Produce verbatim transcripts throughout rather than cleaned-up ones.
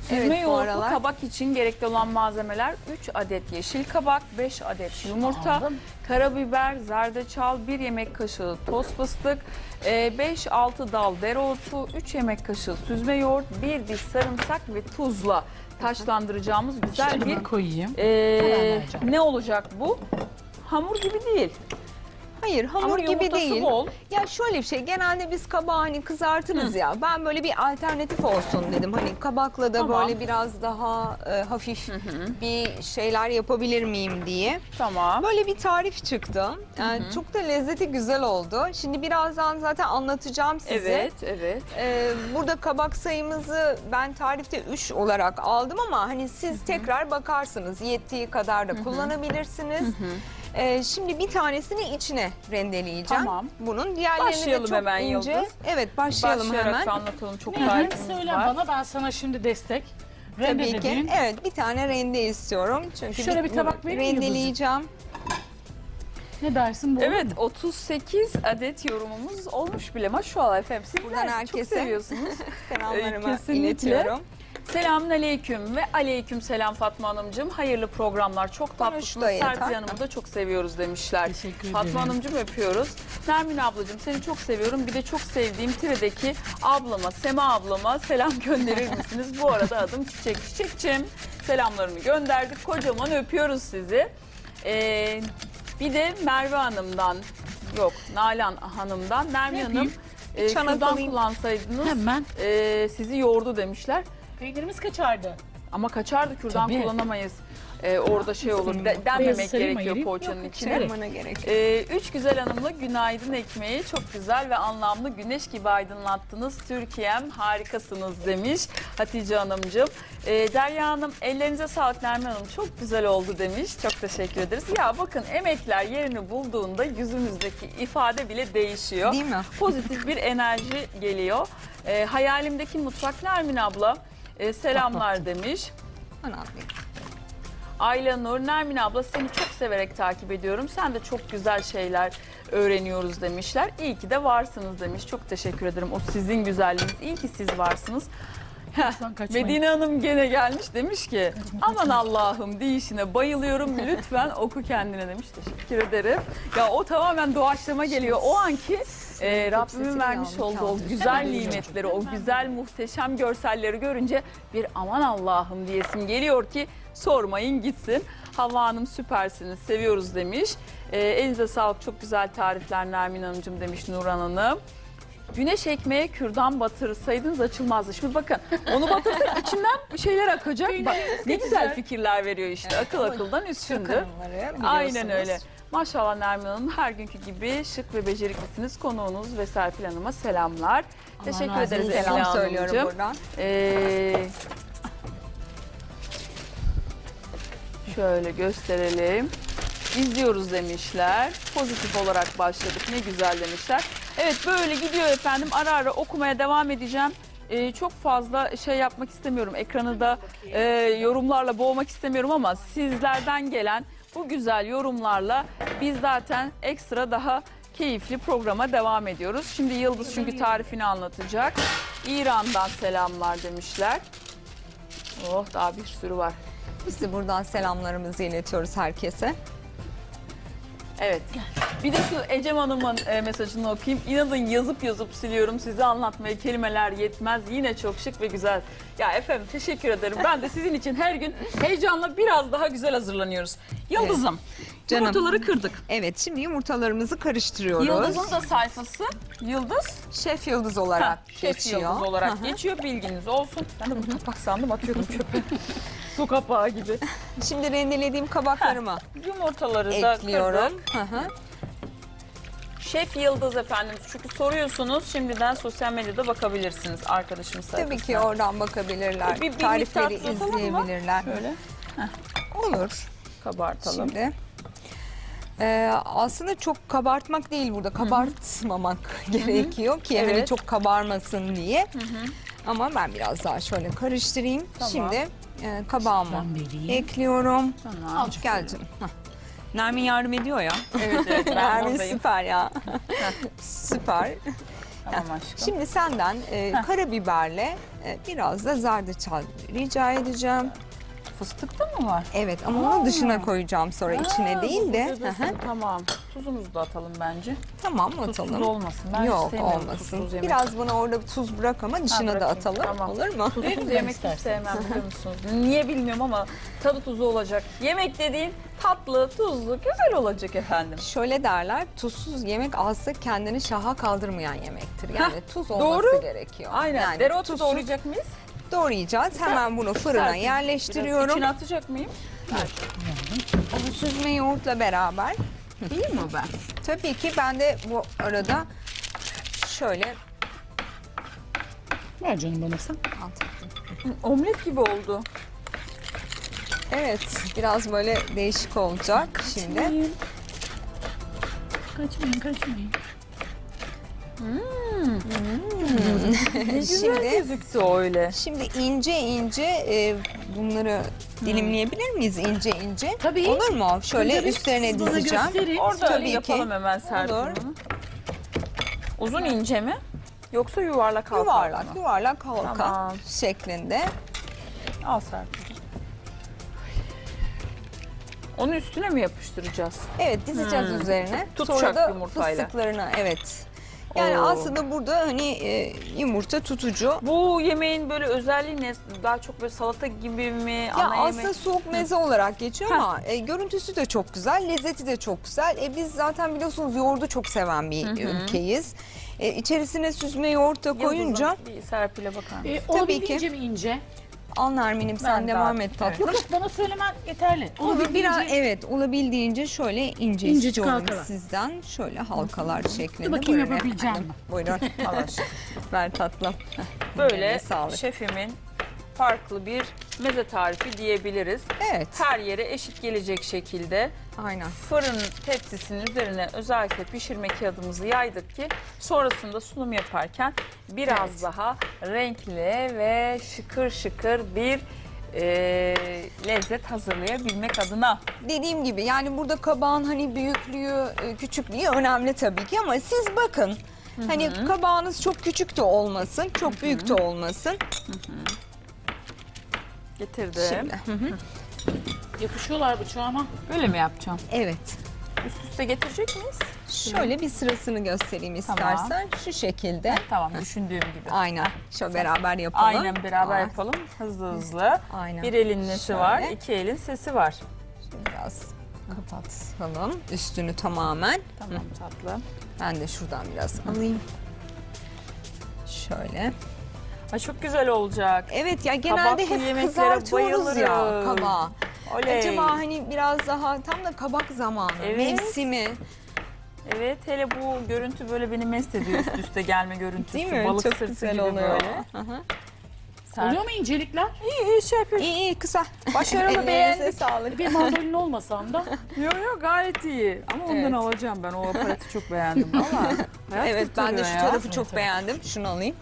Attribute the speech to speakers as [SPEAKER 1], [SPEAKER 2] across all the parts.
[SPEAKER 1] Süzme
[SPEAKER 2] Evet, bu
[SPEAKER 1] yoğurtlu
[SPEAKER 2] aralar.
[SPEAKER 1] kabak için gerekli olan malzemeler: üç adet yeşil kabak, beş adet yumurta,
[SPEAKER 3] Aldım.
[SPEAKER 1] karabiber, zerdeçal, bir yemek kaşığı toz fıstık, beş altı dal dereotu, üç yemek kaşığı süzme yoğurt, bir diş sarımsak ve tuzla taşlandıracağımız güzel
[SPEAKER 3] Şöyle
[SPEAKER 1] bir
[SPEAKER 3] bir koyayım.
[SPEAKER 1] e,
[SPEAKER 3] vereceğim.
[SPEAKER 1] ne olacak bu? Hamur gibi değil.
[SPEAKER 2] Hayır, hamur
[SPEAKER 1] Ama
[SPEAKER 2] gibi
[SPEAKER 1] yumurtası
[SPEAKER 2] değil.
[SPEAKER 1] bol.
[SPEAKER 2] Ya şöyle bir şey, genelde biz kabağı hani kızartırız ya. Ben böyle bir alternatif olsun dedim. Hani kabakla da
[SPEAKER 1] Tamam.
[SPEAKER 2] böyle biraz daha e, hafif bir şeyler yapabilir miyim diye.
[SPEAKER 1] Tamam.
[SPEAKER 2] Böyle bir tarif çıktı. Yani çok da lezzeti güzel oldu. Şimdi birazdan zaten anlatacağım size.
[SPEAKER 1] Evet, evet.
[SPEAKER 2] Ee, burada kabak sayımızı ben tarifte üç olarak aldım ama hani siz tekrar bakarsınız. Yettiği kadar da kullanabilirsiniz. Ee, şimdi bir tanesini içine rendeleyeceğim.
[SPEAKER 1] Tamam.
[SPEAKER 2] Bunun diğerlerini
[SPEAKER 1] Başlayalım
[SPEAKER 2] de çok
[SPEAKER 1] hemen
[SPEAKER 2] ince.
[SPEAKER 1] Yıldız.
[SPEAKER 2] Evet, başlayalım
[SPEAKER 1] Başlayarak
[SPEAKER 2] hemen.
[SPEAKER 1] anlatalım. Çok
[SPEAKER 3] Ne
[SPEAKER 1] tarifimiz
[SPEAKER 3] söyle
[SPEAKER 1] var.
[SPEAKER 3] bana, ben sana şimdi destek.
[SPEAKER 2] Tabii
[SPEAKER 3] Rende
[SPEAKER 2] ki.
[SPEAKER 3] dediğin.
[SPEAKER 2] Evet, bir tane rende istiyorum. Çünkü
[SPEAKER 3] Şöyle bir tabak vereyim mi Yıldız'cığım?
[SPEAKER 2] rendeleyeceğim.
[SPEAKER 3] Ne dersin bu?
[SPEAKER 1] Evet, otuz sekiz adet yorumumuz olmuş bile. Maşallah efendim. Sizler
[SPEAKER 2] Buradan
[SPEAKER 1] çok
[SPEAKER 2] herkese
[SPEAKER 1] seviyorsunuz.
[SPEAKER 2] Selamlarımı
[SPEAKER 1] Kesinlikle.
[SPEAKER 2] iletiyorum.
[SPEAKER 1] Selamünaleyküm ve aleyküm selam Fatma Hanımcığım. Hayırlı programlar. Çok tatlısınız.
[SPEAKER 2] da yeter.
[SPEAKER 1] Serpil Hanım'ı da çok seviyoruz demişler.
[SPEAKER 3] Teşekkür
[SPEAKER 1] Fatma
[SPEAKER 3] ederim.
[SPEAKER 1] Hanımcığım öpüyoruz. Nermin ablacığım seni çok seviyorum. Bir de çok sevdiğim Tire'deki ablama, Sema ablama selam gönderir misiniz? Bu arada adım Çiçek. Çiçekçim selamlarını gönderdik. Kocaman öpüyoruz sizi. Ee, bir de Merve Hanım'dan, yok Nalan Hanım'dan, Nermin
[SPEAKER 3] Ne
[SPEAKER 1] Hanım
[SPEAKER 3] yapayım?
[SPEAKER 1] e,
[SPEAKER 2] Çanak
[SPEAKER 1] kürdan
[SPEAKER 2] alayım.
[SPEAKER 1] kullansaydınız
[SPEAKER 3] Hemen.
[SPEAKER 1] e, sizi yordu demişler.
[SPEAKER 3] Peynirimiz kaçardı.
[SPEAKER 1] Ama kaçardı, kürdan
[SPEAKER 3] Tabii.
[SPEAKER 1] kullanamayız. Ee, orada şey olur, de,
[SPEAKER 3] Beyazı
[SPEAKER 1] denmemek
[SPEAKER 3] sarayım,
[SPEAKER 1] gerekiyor
[SPEAKER 3] ayırayım.
[SPEAKER 1] poğaçanın
[SPEAKER 3] Yok,
[SPEAKER 1] içine.
[SPEAKER 3] evet.
[SPEAKER 2] Bana gerek yok.
[SPEAKER 1] Ee, üç güzel hanımla günaydın ekmeği çok güzel ve anlamlı, güneş gibi aydınlattınız. Türkiye'm harikasınız demiş Hatice Hanımcığım. Ee, Derya Hanım ellerinize sağlık, Nermin Hanım çok güzel oldu demiş. Çok teşekkür ederiz. Ya bakın, emekler yerini bulduğunda yüzümüzdeki ifade bile değişiyor.
[SPEAKER 2] Değil mi?
[SPEAKER 1] Pozitif bir enerji geliyor. Ee, hayalimdeki mutfak Nermin abla e, selamlar demiş.
[SPEAKER 2] Bana atlayayım.
[SPEAKER 1] Ayla Nur, Nermin abla seni çok severek takip ediyorum. Sen de çok güzel şeyler öğreniyoruz demişler. İyi ki de varsınız demiş. Çok teşekkür ederim. O sizin güzelliğiniz. İyi ki siz varsınız. Heh,
[SPEAKER 3] Lütfen kaçmayın.
[SPEAKER 1] Medine Hanım gene gelmiş, demiş ki aman Allah'ım deyişine bayılıyorum, lütfen oku kendine demiş. Teşekkür ederim. Ya o tamamen doğaçlama geliyor. O anki e, Rabbimin
[SPEAKER 2] sesini
[SPEAKER 1] vermiş
[SPEAKER 2] aldım,
[SPEAKER 1] olduğu o
[SPEAKER 2] kaldır.
[SPEAKER 1] güzel
[SPEAKER 3] Hemen
[SPEAKER 1] nimetleri, o güzel muhteşem görselleri görünce bir aman Allah'ım diyesim geliyor ki sormayın gitsin. Havva Hanım süpersiniz, seviyoruz demiş. E, elinize sağlık, çok güzel tarifler Nermin Hanımcığım demiş Nurhan Hanım. Güneş ekmeğe kürdan batırsaydınız açılmazdı. Şimdi bakın, onu batırsak içinden bir şeyler akacak. Bak, ne güzel fikirler veriyor işte. Akıl akıldan üstündü.
[SPEAKER 2] Hanımları
[SPEAKER 1] Aynen
[SPEAKER 2] biliyorsunuz.
[SPEAKER 1] öyle. Maşallah Nermin Hanım, her günkü gibi şık ve beceriklisiniz. Konuğunuz ve Serpil Hanım'a selamlar. Teşekkür
[SPEAKER 3] razı
[SPEAKER 1] ederiz
[SPEAKER 3] olsun.
[SPEAKER 2] Selam
[SPEAKER 1] Emine
[SPEAKER 2] söylüyorum
[SPEAKER 1] Hanımcığım.
[SPEAKER 2] buradan.
[SPEAKER 1] Ee, şöyle gösterelim. İzliyoruz demişler. Pozitif olarak başladık. Ne güzel demişler. Evet, böyle gidiyor efendim. Ara ara okumaya devam edeceğim. Ee, çok fazla şey yapmak istemiyorum. Ekranı da e, yorumlarla boğmak istemiyorum ama sizlerden gelen bu güzel yorumlarla biz zaten ekstra daha keyifli programa devam ediyoruz. Şimdi Yıldız çünkü tarifini anlatacak. İran'dan selamlar demişler. Oh, daha bir sürü var.
[SPEAKER 2] Biz de buradan selamlarımızı iletiyoruz herkese.
[SPEAKER 1] Evet. Bir de şu Ecem Hanım'ın e, mesajını okuyayım. İnanın yazıp yazıp siliyorum. Size anlatmaya kelimeler yetmez. Yine çok şık ve güzel. Ya efendim teşekkür ederim. Ben de sizin için her gün heyecanla biraz daha güzel hazırlanıyoruz. Yıldız'ım,
[SPEAKER 2] Canım.
[SPEAKER 1] yumurtaları kırdık.
[SPEAKER 2] Evet, şimdi yumurtalarımızı karıştırıyoruz.
[SPEAKER 1] Yıldız'ın da sayfası Yıldız.
[SPEAKER 2] Şef Yıldız olarak
[SPEAKER 1] Ha, Şef
[SPEAKER 2] geçiyor.
[SPEAKER 1] Yıldız olarak
[SPEAKER 2] Hı hı.
[SPEAKER 1] geçiyor. Bilginiz olsun. Ben de bu kapak sandım, atıyordum çöpe. Su kapağı gibi.
[SPEAKER 2] Şimdi rendelediğim kabaklarımı
[SPEAKER 1] Yumurtaları da
[SPEAKER 2] ekliyorum.
[SPEAKER 1] kırdık.
[SPEAKER 2] Hı hı.
[SPEAKER 1] Şef Yıldız efendim, çünkü soruyorsunuz, şimdiden sosyal medyada bakabilirsiniz arkadaşımız sayfasına.
[SPEAKER 2] Tabii ki oradan bakabilirler.
[SPEAKER 1] Bir- bir
[SPEAKER 2] Tarifleri
[SPEAKER 1] miktar tutalım mı?
[SPEAKER 2] izleyebilirler.
[SPEAKER 1] Şöyle
[SPEAKER 2] Olur.
[SPEAKER 1] kabartalım.
[SPEAKER 2] Şimdi e, aslında çok kabartmak değil burada. Kabartmamak gerekiyor ki hani
[SPEAKER 1] Evet.
[SPEAKER 2] çok kabarmasın diye. Ama ben biraz daha şöyle karıştırayım.
[SPEAKER 1] Tamam.
[SPEAKER 2] Şimdi e, kabağımı
[SPEAKER 3] Ben vereyim.
[SPEAKER 2] ekliyorum.
[SPEAKER 1] Tamam.
[SPEAKER 2] Al gel canım. Hah. Nermin yardım ediyor ya.
[SPEAKER 1] Evet evet, ben
[SPEAKER 2] Nermin
[SPEAKER 1] buradayım.
[SPEAKER 2] süper ya. Süper.
[SPEAKER 1] Tamam aşkım.
[SPEAKER 2] Şimdi senden e, karabiberle e, biraz da zerdeçal rica edeceğim.
[SPEAKER 1] Fıstıkta mı var?
[SPEAKER 2] Evet ama onu
[SPEAKER 1] Aa.
[SPEAKER 2] dışına koyacağım sonra içine
[SPEAKER 1] Ha,
[SPEAKER 2] değil
[SPEAKER 1] bu
[SPEAKER 2] de.
[SPEAKER 1] burada
[SPEAKER 2] Hı hı.
[SPEAKER 1] dursun, tamam. Tuzumuzu da atalım bence.
[SPEAKER 2] Tamam
[SPEAKER 1] Tuzsuz
[SPEAKER 2] atalım.
[SPEAKER 1] olmasın. Ben hiç
[SPEAKER 2] Yok
[SPEAKER 1] sevmiyorum
[SPEAKER 2] olmasın.
[SPEAKER 1] tuzsuz yemek.
[SPEAKER 2] Biraz bana orada bir tuz bırak ama dışına da
[SPEAKER 1] bırakayım,
[SPEAKER 2] atalım.
[SPEAKER 1] tamam.
[SPEAKER 2] Olur mu?
[SPEAKER 1] Tuzsuz
[SPEAKER 3] Verin
[SPEAKER 1] yemek hiç
[SPEAKER 3] isterseniz.
[SPEAKER 1] sevmem biliyor musunuz? Niye bilmiyorum ama tadı tuzu olacak. Yemek dediğin tatlı, tuzlu, güzel olacak efendim.
[SPEAKER 2] Şöyle derler, tuzsuz yemek azsa kendini şaha kaldırmayan yemektir. Yani tuz olması
[SPEAKER 1] doğru.
[SPEAKER 2] gerekiyor.
[SPEAKER 1] Aynen.
[SPEAKER 2] Yani
[SPEAKER 1] Dereotu
[SPEAKER 2] tuzsuz
[SPEAKER 1] doğrayacak mıyız?
[SPEAKER 2] doğrayacağız. Hemen bunu fırına
[SPEAKER 1] Serpil,
[SPEAKER 2] yerleştiriyorum.
[SPEAKER 1] Biraz içine atacak mıyım?
[SPEAKER 2] Bu süzme yoğurtla beraber.
[SPEAKER 1] Değil mi ben?
[SPEAKER 2] Tabii ki ben de bu arada şöyle
[SPEAKER 3] Ver canım bana sen.
[SPEAKER 1] Omlet gibi oldu.
[SPEAKER 2] evet biraz böyle değişik olacak şimdi.
[SPEAKER 3] Kaçmayın, kaçmayın.
[SPEAKER 1] Ne güzel
[SPEAKER 2] Şimdi
[SPEAKER 1] gözüktü öyle.
[SPEAKER 2] şimdi ince ince e, bunları dilimleyebilir miyiz ince ince?
[SPEAKER 3] Tabii.
[SPEAKER 2] Olur mu? Şöyle
[SPEAKER 3] Tabii,
[SPEAKER 2] üstlerine
[SPEAKER 3] siz bana
[SPEAKER 2] dizeceğim.
[SPEAKER 3] gösterin.
[SPEAKER 1] Orada
[SPEAKER 2] Tabii ki.
[SPEAKER 1] yapalım hemen Serpil
[SPEAKER 2] Olur.
[SPEAKER 1] bunu. Uzun ince mi? Yoksa yuvarlak halka
[SPEAKER 2] Yuvarlak,
[SPEAKER 1] mı?
[SPEAKER 2] yuvarlak halka
[SPEAKER 1] Tamam.
[SPEAKER 2] şeklinde.
[SPEAKER 1] Al Serpil. Onun üstüne mi yapıştıracağız?
[SPEAKER 2] Evet dizeceğiz
[SPEAKER 1] Hmm.
[SPEAKER 2] üzerine.
[SPEAKER 1] Tutacak
[SPEAKER 2] Sonra da
[SPEAKER 1] yumurtayla.
[SPEAKER 2] fıstıklarını evet. Yani
[SPEAKER 1] Oo.
[SPEAKER 2] aslında burada hani e, yumurta tutucu.
[SPEAKER 1] Bu yemeğin böyle özelliği ne? Daha çok böyle salata gibi mi?
[SPEAKER 2] Ya
[SPEAKER 1] Ana
[SPEAKER 2] aslında
[SPEAKER 1] yemek?
[SPEAKER 2] soğuk meze olarak geçiyor
[SPEAKER 1] Heh.
[SPEAKER 2] ama e, görüntüsü de çok güzel, lezzeti de çok güzel. E, biz zaten biliyorsunuz yoğurdu çok seven bir ülkeyiz. E, içerisine süzme yoğurt da koyunca
[SPEAKER 1] Yıldız'ım, bir Serpil'e bakar mısın?
[SPEAKER 3] Ee,
[SPEAKER 2] Tabii
[SPEAKER 3] olabildiğince mi ince?
[SPEAKER 2] al Nermin'im sen
[SPEAKER 1] Ben
[SPEAKER 2] devam
[SPEAKER 1] daha-
[SPEAKER 2] et tatlım.
[SPEAKER 3] Yok yok bana söylemen yeterli.
[SPEAKER 2] Onu bir- biraz
[SPEAKER 3] Olabildiğince-
[SPEAKER 2] evet olabildiğince şöyle ince
[SPEAKER 3] İncecik
[SPEAKER 2] istiyorum
[SPEAKER 3] halkalar.
[SPEAKER 2] sizden. Şöyle halkalar şeklinde.
[SPEAKER 3] Dur bakayım
[SPEAKER 2] Buyurun
[SPEAKER 3] yapabileceğim
[SPEAKER 2] efendim.
[SPEAKER 3] mi?
[SPEAKER 2] Buyurun.
[SPEAKER 1] Allah aşkına.
[SPEAKER 2] Ver tatlım.
[SPEAKER 1] Böyle
[SPEAKER 2] Eline sağlık.
[SPEAKER 1] şefimin farklı bir meze tarifi diyebiliriz.
[SPEAKER 2] Evet.
[SPEAKER 1] Her yere eşit gelecek şekilde
[SPEAKER 2] Aynen.
[SPEAKER 1] fırın tepsisinin üzerine özellikle pişirme kağıdımızı yaydık ki sonrasında sunum yaparken biraz
[SPEAKER 2] Evet.
[SPEAKER 1] daha renkli ve şıkır şıkır bir e, lezzet hazırlayabilmek adına.
[SPEAKER 2] Dediğim gibi yani burada kabağın hani büyüklüğü, e, küçüklüğü önemli tabii ki ama siz bakın. Hani kabağınız çok küçük de olmasın, çok büyük de olmasın.
[SPEAKER 1] Getirdim.
[SPEAKER 2] Şimdi. Hı hı.
[SPEAKER 3] Yapışıyorlar bıçağıma.
[SPEAKER 1] Böyle mi yapacağım?
[SPEAKER 2] Evet.
[SPEAKER 1] Üst üste getirecek miyiz?
[SPEAKER 2] Şöyle bir sırasını göstereyim
[SPEAKER 1] Tamam.
[SPEAKER 2] istersen. Şu şekilde.
[SPEAKER 1] Tamam, düşündüğüm gibi.
[SPEAKER 2] Aynen. Şöyle beraber yapalım.
[SPEAKER 1] Aynen beraber
[SPEAKER 2] Aa,
[SPEAKER 1] yapalım. Hızlı hızlı.
[SPEAKER 2] Aynen.
[SPEAKER 1] Bir elin nesi
[SPEAKER 2] Şöyle.
[SPEAKER 1] var, iki elin sesi var.
[SPEAKER 2] Şimdi biraz kapatalım üstünü tamamen.
[SPEAKER 1] Tamam tatlım.
[SPEAKER 2] Ben de şuradan biraz alayım. Şöyle.
[SPEAKER 1] Ay çok güzel olacak.
[SPEAKER 2] Evet ya genelde
[SPEAKER 1] Kabaklı
[SPEAKER 2] hep
[SPEAKER 1] yemeklere
[SPEAKER 2] kızartıyoruz ya
[SPEAKER 1] bayılırım.
[SPEAKER 2] kabağı.
[SPEAKER 1] Oley.
[SPEAKER 2] Acaba hani biraz daha tam da kabak zamanı,
[SPEAKER 1] Evet.
[SPEAKER 2] mevsimi.
[SPEAKER 1] Evet, hele bu görüntü böyle beni mest ediyor, üst üste gelme görüntüsü.
[SPEAKER 2] Değil mi?
[SPEAKER 1] Balık
[SPEAKER 2] Çok
[SPEAKER 1] sırtı
[SPEAKER 2] güzel
[SPEAKER 1] gibi
[SPEAKER 2] oluyor.
[SPEAKER 1] böyle.
[SPEAKER 2] Hı hı.
[SPEAKER 1] Sen...
[SPEAKER 3] Oluyor mu incelikler?
[SPEAKER 1] İyi iyi şey yapıyorsun.
[SPEAKER 2] İyi iyi kısa.
[SPEAKER 1] Başarılı,
[SPEAKER 2] Ellerinize
[SPEAKER 1] beğendik.
[SPEAKER 2] sağlık.
[SPEAKER 3] Bir mandolin olmasam da.
[SPEAKER 1] Yok yok gayet iyi. Ama ondan
[SPEAKER 2] Evet.
[SPEAKER 1] alacağım ben. O aparatı çok beğendim. Valla. Hayat
[SPEAKER 2] Evet ben de
[SPEAKER 1] kurtarıyor
[SPEAKER 2] şu
[SPEAKER 1] ya.
[SPEAKER 2] tarafı çok beğendim. Şunu alayım.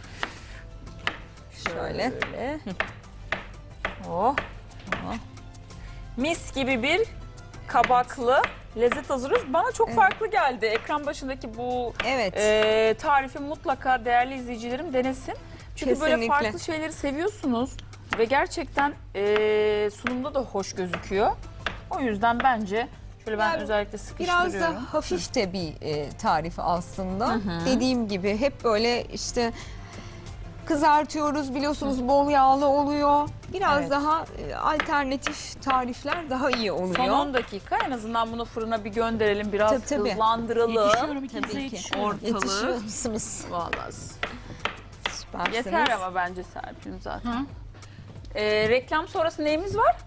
[SPEAKER 2] Şöyle.
[SPEAKER 1] Şöyle. Oh. Oh. Mis gibi bir kabaklı lezzet hazırlıyoruz. Bana çok
[SPEAKER 2] Evet.
[SPEAKER 1] farklı geldi. Ekran başındaki bu
[SPEAKER 2] Evet.
[SPEAKER 1] e, tarifi mutlaka değerli izleyicilerim denesin. Çünkü böyle
[SPEAKER 2] Kesinlikle.
[SPEAKER 1] farklı şeyleri seviyorsunuz ve gerçekten e, sunumda da hoş gözüküyor. O yüzden bence şöyle ben
[SPEAKER 2] Yani
[SPEAKER 1] özellikle sıkıştırıyorum.
[SPEAKER 2] Biraz da hafif de bir e, tarif aslında. Dediğim gibi hep böyle işte kızartıyoruz biliyorsunuz bol yağlı oluyor. Biraz
[SPEAKER 1] Evet.
[SPEAKER 2] daha e, alternatif tarifler daha iyi oluyor.
[SPEAKER 1] Son on dakika en azından bunu fırına bir gönderelim. Biraz
[SPEAKER 2] Tabii, tabii.
[SPEAKER 1] hızlandıralım.
[SPEAKER 3] Yetişiyorum ikinize
[SPEAKER 2] ki.
[SPEAKER 3] yetişiyorum.
[SPEAKER 1] Ortalığı.
[SPEAKER 2] Yetişiyor musunuz?
[SPEAKER 1] Vallahi
[SPEAKER 2] Süpersiniz.
[SPEAKER 1] yeter ama bence Serpil'im zaten.
[SPEAKER 3] Hı.
[SPEAKER 1] Ee, reklam sonrası neyimiz var?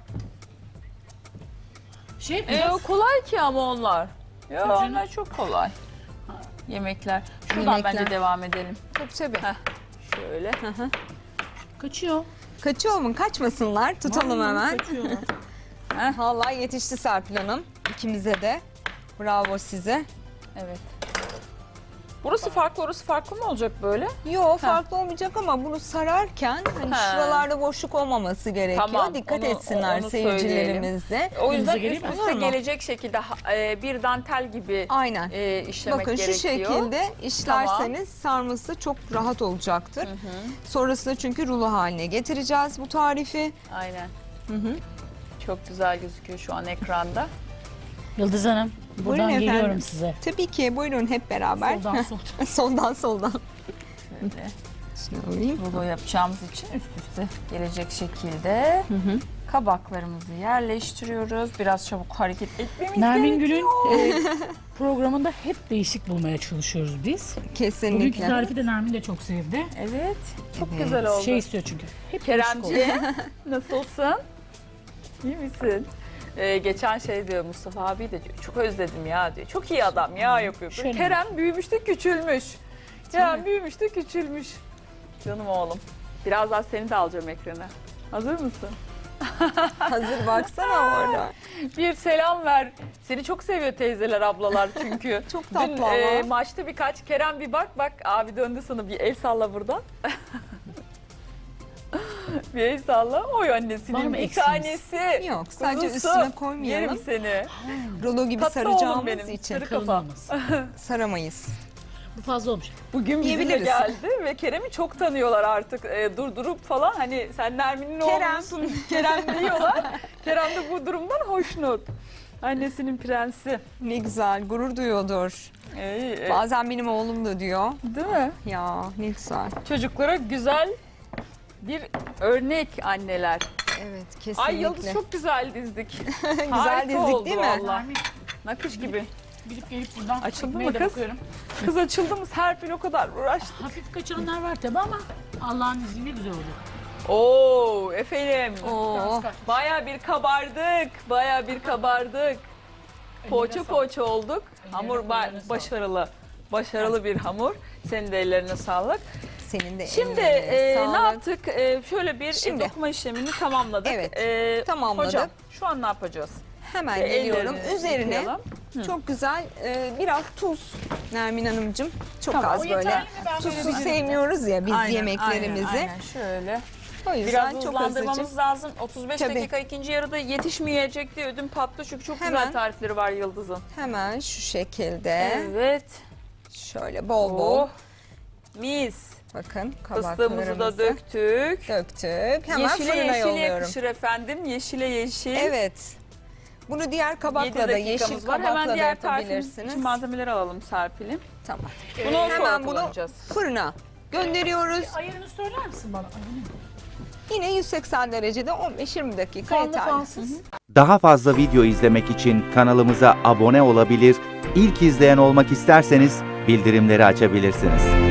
[SPEAKER 3] Şey
[SPEAKER 1] Ee,
[SPEAKER 3] biraz
[SPEAKER 1] o kolay ki ama onlar. Ya
[SPEAKER 3] Tabii
[SPEAKER 1] onlar çok kolay. Yemekler. Şuradan
[SPEAKER 2] Yemekler.
[SPEAKER 1] bence devam edelim.
[SPEAKER 2] Tabii tabii.
[SPEAKER 1] Heh, şöyle.
[SPEAKER 3] kaçıyor.
[SPEAKER 2] Kaçıyor mu? Kaçmasınlar. Tutalım hemen.
[SPEAKER 3] Kaçıyor.
[SPEAKER 2] Vallahi yetişti Serpil Hanım. İkimize de. Bravo size.
[SPEAKER 1] Evet. Burası farklı, orası farklı mı olacak böyle?
[SPEAKER 2] Yo farklı olmayacak ama bunu sararken hani
[SPEAKER 1] Ha.
[SPEAKER 2] şuralarda boşluk olmaması gerekiyor.
[SPEAKER 1] Tamam,
[SPEAKER 2] Dikkat
[SPEAKER 1] onu-
[SPEAKER 2] etsinler
[SPEAKER 1] onu
[SPEAKER 2] seyircilerimiz de.
[SPEAKER 1] O yüzden
[SPEAKER 3] Elinize
[SPEAKER 1] üst
[SPEAKER 3] geleyim mi?
[SPEAKER 1] üste
[SPEAKER 2] Olur mu?
[SPEAKER 1] gelecek şekilde ha- e, bir dantel gibi
[SPEAKER 2] Aynen.
[SPEAKER 1] e, işlemek
[SPEAKER 2] Bakın
[SPEAKER 1] gerekiyor.
[SPEAKER 2] şu şekilde işlerseniz sarması çok rahat olacaktır. Sonrasında çünkü rulo haline getireceğiz bu tarifi.
[SPEAKER 1] Aynen.
[SPEAKER 2] Hı hı.
[SPEAKER 1] Çok güzel gözüküyor şu an ekranda.
[SPEAKER 3] Yıldız Hanım,
[SPEAKER 2] Buyurun
[SPEAKER 3] buradan
[SPEAKER 2] efendim.
[SPEAKER 3] geliyorum size.
[SPEAKER 2] Tabii ki buyurun hep beraber.
[SPEAKER 3] Soldan soldan.
[SPEAKER 2] soldan soldan.
[SPEAKER 1] Şöyle
[SPEAKER 2] Şunu alayım.
[SPEAKER 1] rulo yapacağımız için üst üste gelecek şekilde kabaklarımızı yerleştiriyoruz. Biraz çabuk hareket etmemiz
[SPEAKER 3] Nermin
[SPEAKER 1] gerekiyor.
[SPEAKER 3] Gül'ün e, programında hep değişik bulmaya çalışıyoruz biz. Bugünkü
[SPEAKER 2] Kesinlikle.
[SPEAKER 3] tarifi de Nermin de çok sevdi.
[SPEAKER 1] Evet. Çok
[SPEAKER 2] Evet.
[SPEAKER 1] güzel oldu.
[SPEAKER 3] Şey istiyor çünkü. Hep değişik olsun.
[SPEAKER 1] Keremciğim nasılsın? İyi misin? Ee, geçen şey diyor Mustafa abi de diyor, çok özledim ya diyor. Çok iyi adam ya yapıyor. Böyle
[SPEAKER 3] Şöyle.
[SPEAKER 1] Kerem büyümüş de küçülmüş. Kerem büyümüş de küçülmüş. Canım oğlum. Birazdan seni de alacağım ekrana. Hazır mısın?
[SPEAKER 2] Hazır baksana orada.
[SPEAKER 1] Bir selam ver. Seni çok seviyor teyzeler, ablalar çünkü.
[SPEAKER 2] Çok
[SPEAKER 1] Dün
[SPEAKER 2] tatlı ama.
[SPEAKER 1] e, maçta birkaç Kerem bir bak bak abi döndü sana bir el salla buradan. Bir el salla. Oy
[SPEAKER 3] Var
[SPEAKER 1] annesinin
[SPEAKER 3] mı
[SPEAKER 1] bir
[SPEAKER 3] eksiğiniz?
[SPEAKER 1] tanesi.
[SPEAKER 2] Yok sadece
[SPEAKER 1] Kuzusu.
[SPEAKER 2] üstüne koymayalım.
[SPEAKER 1] Yerim seni.
[SPEAKER 2] Rulo gibi
[SPEAKER 1] Tatlı oğlum
[SPEAKER 2] saracağımız
[SPEAKER 1] benim.
[SPEAKER 2] için
[SPEAKER 1] Sarı
[SPEAKER 3] Kalın
[SPEAKER 1] kafa.
[SPEAKER 3] olmasın.
[SPEAKER 2] saramayız.
[SPEAKER 3] Bu fazla olmuş.
[SPEAKER 1] Bugün bizimle
[SPEAKER 2] Yiyebiliriz.
[SPEAKER 1] geldi ve Kerem'i çok tanıyorlar artık. E, durdurup falan hani sen Nermin'in
[SPEAKER 2] Kerem.
[SPEAKER 1] oğlusun Kerem diyorlar. Kerem de bu durumdan hoşnut. Annesinin prensi.
[SPEAKER 2] Ne güzel gurur duyuyordur.
[SPEAKER 1] İyi, e,
[SPEAKER 2] Bazen benim oğlum da diyor.
[SPEAKER 1] değil mi?
[SPEAKER 2] Ya ne güzel.
[SPEAKER 1] Çocuklara güzel bir örnek anneler.
[SPEAKER 2] Evet kesinlikle.
[SPEAKER 1] Ay Yıldız çok güzel dizdik.
[SPEAKER 2] güzel
[SPEAKER 1] Harika
[SPEAKER 2] dizdik
[SPEAKER 1] oldu
[SPEAKER 2] değil mi?
[SPEAKER 1] vallahi.
[SPEAKER 3] Nermin,
[SPEAKER 1] Nakış gibi.
[SPEAKER 3] gidip gelip buradan
[SPEAKER 1] Açıldı
[SPEAKER 3] ekmeğe
[SPEAKER 1] mı
[SPEAKER 3] de
[SPEAKER 1] kız?
[SPEAKER 3] bakıyorum.
[SPEAKER 1] Kız açıldı mı Serpil o kadar uğraştı.
[SPEAKER 3] Hafif kaçıranlar var tabi ama Allah'ın izniyle güzel oldu.
[SPEAKER 1] Oo efendim.
[SPEAKER 2] Oo.
[SPEAKER 1] Baya bir kabardık. Baya bir kabardık. Poğaça
[SPEAKER 3] sağlık.
[SPEAKER 1] poğaça olduk.
[SPEAKER 3] Ellerine,
[SPEAKER 1] Hamur ba-
[SPEAKER 3] kollarına sağlık.
[SPEAKER 1] başarılı. Başarılı bir hamur. Senin de ellerine sağlık.
[SPEAKER 2] Senin de
[SPEAKER 1] Şimdi
[SPEAKER 2] ellerine
[SPEAKER 1] e,
[SPEAKER 2] sağlık.
[SPEAKER 1] ne yaptık? E, şöyle bir
[SPEAKER 2] Şimdi.
[SPEAKER 1] e, dokuma işlemini tamamladık.
[SPEAKER 2] Evet,
[SPEAKER 1] E,
[SPEAKER 2] tamamladık.
[SPEAKER 1] Hocam şu an ne yapacağız?
[SPEAKER 2] Hemen
[SPEAKER 1] E,
[SPEAKER 2] geliyorum.
[SPEAKER 1] ellerini
[SPEAKER 2] Üzerine
[SPEAKER 1] yıkayalım.
[SPEAKER 2] çok güzel e, biraz tuz Nermin Hanımcığım. Çok
[SPEAKER 1] Tamam.
[SPEAKER 2] az
[SPEAKER 1] O
[SPEAKER 2] böyle.
[SPEAKER 3] yeterli mi? Ben
[SPEAKER 2] Tuzsuz
[SPEAKER 3] verebilirim.
[SPEAKER 2] sevmiyoruz ya biz
[SPEAKER 1] Aynen,
[SPEAKER 2] yemeklerimizi.
[SPEAKER 1] Aynen, aynen şöyle.
[SPEAKER 2] O yüzden
[SPEAKER 1] Biraz
[SPEAKER 2] çok
[SPEAKER 1] hızlandırmamız
[SPEAKER 2] azıcık.
[SPEAKER 1] lazım. otuz beş
[SPEAKER 2] Tabii.
[SPEAKER 1] dakika ikinci yarıda yetişmeyecek diye ödüm patlı çünkü çok
[SPEAKER 2] Hemen.
[SPEAKER 1] güzel tarifleri var Yıldız'ın.
[SPEAKER 2] Hemen şu şekilde
[SPEAKER 1] Evet.
[SPEAKER 2] şöyle bol bol
[SPEAKER 1] Oh. Mis.
[SPEAKER 2] bakın
[SPEAKER 1] Fıstığımızı
[SPEAKER 2] kabaklarımızı
[SPEAKER 1] da döktük.
[SPEAKER 2] döktük. Hemen
[SPEAKER 1] yeşile
[SPEAKER 2] fırına
[SPEAKER 1] yeşile
[SPEAKER 2] yolluyorum.
[SPEAKER 1] yakışır efendim. Yeşile yeşil.
[SPEAKER 2] Evet. Bunu diğer
[SPEAKER 1] yedi
[SPEAKER 2] kabakla da yeşil
[SPEAKER 1] dakikamız var.
[SPEAKER 2] kabakla
[SPEAKER 1] Hemen
[SPEAKER 2] da
[SPEAKER 1] diğer tarifimiz
[SPEAKER 2] yapabilirsiniz.
[SPEAKER 1] için malzemeleri alalım Serpil'im.
[SPEAKER 2] Tamam.
[SPEAKER 1] Bunu sonra
[SPEAKER 2] Hemen bunu
[SPEAKER 1] kullanacağız.
[SPEAKER 2] fırına gönderiyoruz.
[SPEAKER 3] Ayarını söyler misin bana? Ay, bu ne?
[SPEAKER 2] Yine yüz seksen derecede on beş yirmi dakika
[SPEAKER 3] Fanlı
[SPEAKER 2] yeterli.
[SPEAKER 3] fansız.
[SPEAKER 4] Daha fazla video izlemek için kanalımıza abone olabilir, ilk izleyen olmak isterseniz bildirimleri açabilirsiniz.